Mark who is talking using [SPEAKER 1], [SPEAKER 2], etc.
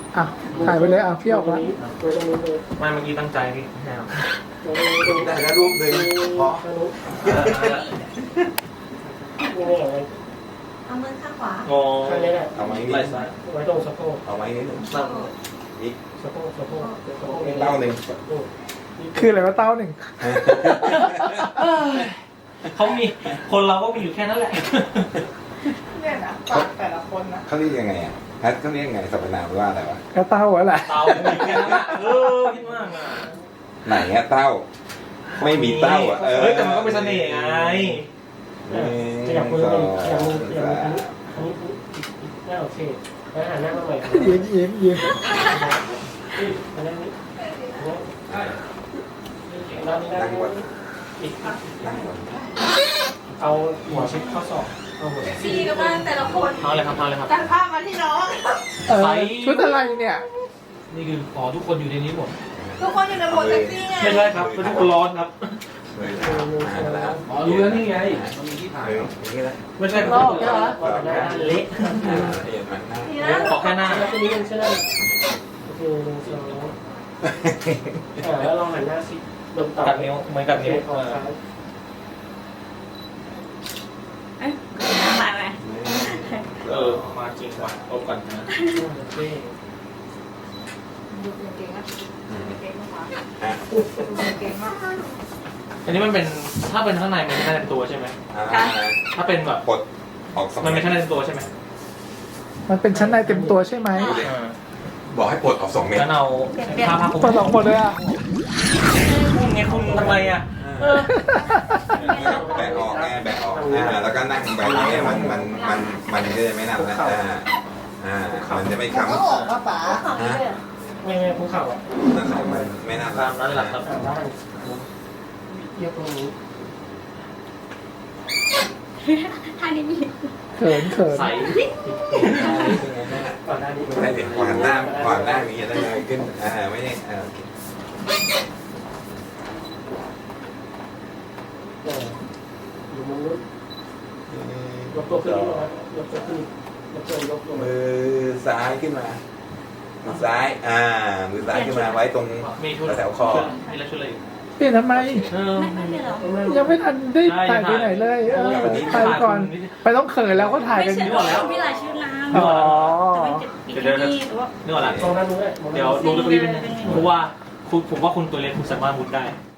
[SPEAKER 1] อ่ะถ่ายไปเลยอ่ะพี่ออกแล้ว
[SPEAKER 2] ไม่เมื่อกี้ตั้งใจพี่แนว
[SPEAKER 3] ได้แล้วรูปหนึ่งพอ
[SPEAKER 4] เอามือข้างขวา
[SPEAKER 2] งอ
[SPEAKER 5] ข้างนี้แหละ
[SPEAKER 3] เอาไว้นิด
[SPEAKER 2] ไหล่ซ้าย
[SPEAKER 5] ไว้ตรงสะโพก
[SPEAKER 3] เอาไว้นิดนึง
[SPEAKER 2] ตั้ง
[SPEAKER 3] อีก
[SPEAKER 5] สะโพกสะโพกสะโพก
[SPEAKER 3] เต้าหนึ่ง
[SPEAKER 1] คืออะไรวะเต้าหนึ่ง
[SPEAKER 2] เขามีคนเราก็มีอยู่แค่นั้นแหละ
[SPEAKER 6] เนี่ยนะปากแต่ละคนนะ
[SPEAKER 3] เขาเรียกยังไงอ่ะแพทเขาเรียกยังไงสรรพนามว่าอะไรวะ
[SPEAKER 1] ก็เต้าอะแหละ
[SPEAKER 2] เตามีแค่นั้นอะคิดมากอ่ะ
[SPEAKER 3] ไหนอะเต้า ไม่มีเต้าอ่ะ
[SPEAKER 2] เฮ้ยแต่มันก็เป็นเสน่ห์ไง
[SPEAKER 5] ขยับมือขยับมือขยับมืออันนี้น่าโอเคแล้วหันหน้ามาใหม่
[SPEAKER 1] ยิ้ม
[SPEAKER 5] อันนี้ด้านนี้ด้าน
[SPEAKER 3] นั่งบน
[SPEAKER 5] นี้อีก
[SPEAKER 3] นั่งบน
[SPEAKER 5] เอาหัวชิดข้อศอกเอาหัว
[SPEAKER 4] ซีกันมาแต่ละคน
[SPEAKER 2] เอาเลยครับเอาเลยครับ
[SPEAKER 6] ตัดภาพมาที่น้อง
[SPEAKER 1] เออชุดอะไรเนี่ย
[SPEAKER 2] นี่คือขอทุกคนอยู่ในนี้หมด
[SPEAKER 6] ทุกคนอยู่ในโหมดเซ็กซี่ไง
[SPEAKER 2] ไม่ใช่ครับทุกคนร้อนครับ
[SPEAKER 3] เลยแล้ว
[SPEAKER 2] อ๋อรู้แล้วนี่ไงมันมีที่ถ่าย
[SPEAKER 3] อย่างนี้นะ
[SPEAKER 2] ไม่ใช่
[SPEAKER 6] โลกเหรอ
[SPEAKER 5] หน้าเละ
[SPEAKER 3] เห็นไหมหน้า
[SPEAKER 6] นี่
[SPEAKER 2] เดี๋ยว
[SPEAKER 6] นะ
[SPEAKER 2] ขอแค่หน้า
[SPEAKER 5] แล้วตัวนี้มันใช่ไหมโอเคหนึ่งสองแล้วลองหันหน้าสิลงต่อ
[SPEAKER 2] กัดนิ้วเหมือนกัดนิ้ว
[SPEAKER 5] ออกซ้าย
[SPEAKER 4] เอ้ยมาไหม
[SPEAKER 2] มาจริงว่ะเอาก่อนนะ
[SPEAKER 5] โอเค
[SPEAKER 6] ดูเก่งๆนะเก่งมาก
[SPEAKER 3] อ่ะ
[SPEAKER 6] เก่งมาก
[SPEAKER 2] อันนี้มันเป็นถ้าเป็นข้างในมันไม่ใช่ในตัวใช่ไหม ถ้าเป็นแบบ
[SPEAKER 3] ปลดออกสอง
[SPEAKER 2] มันไม่ใช่ในตัวใช่ไหม
[SPEAKER 1] มันเป็นชั้นในเต็มตัวใช่ไหม
[SPEAKER 3] บอกให้ปลดออก2 เมตร
[SPEAKER 2] งั้นเอาผ้าคลุม
[SPEAKER 1] ตัวสองคนเลยอ่ะ
[SPEAKER 2] คุณไงคุณทำไมอ่ะ
[SPEAKER 3] แบกออกไงแบกออกแล้วก็นั่งแบบนี้มันก็จะไม่นั่นนะมันจะไม่ค้ำ
[SPEAKER 6] ก็ออกมาป๋า
[SPEAKER 5] ไม่ภูเขาอ่ะ
[SPEAKER 3] นั่นแหละมันไม่น่า
[SPEAKER 2] ตามนั้นแหละครับ
[SPEAKER 5] ด้านยกตรงนี้
[SPEAKER 4] ท่านี้มี
[SPEAKER 1] เขิน
[SPEAKER 2] ใส
[SPEAKER 5] ก่อนหน้านี้
[SPEAKER 3] ได้ถึงขวานหน้านี้จะได้เลยขึ้นไม่ได้โอเค
[SPEAKER 5] อยู่มุมนู้นยกตัวขึ้นนิดนึงครับยกตัวขึ้นยกตัวยกลง
[SPEAKER 3] มือซ้ายขึ้นมามือซ้ายมือซ้ายขึ้นมาไว้ตรง
[SPEAKER 2] มีชุด
[SPEAKER 3] แถวคอ
[SPEAKER 2] มีแล้วชุดอะไร
[SPEAKER 1] เปลี่ยนทำไม
[SPEAKER 4] ไม่เป็นหรอ
[SPEAKER 1] ยังไม่ทันได้ถ่ายไปไหนเลยไปก่อน ไปต้องเขินแล้วก็ถ่าย
[SPEAKER 4] ไม่
[SPEAKER 1] กัน
[SPEAKER 4] ใช่
[SPEAKER 1] อยู่
[SPEAKER 4] หรอกพี่ลายชื่อนาม
[SPEAKER 1] อ๋อ
[SPEAKER 4] แต่มันจะมีแค่นี้หรือว่า
[SPEAKER 2] นึกออกละ
[SPEAKER 5] ตรงนั้นนู้น
[SPEAKER 2] เดี๋ยวดูตรงนี้เป็นเพราะว่าคุณผมว่าคุณตัวเล็กคุณสามารถมุดได้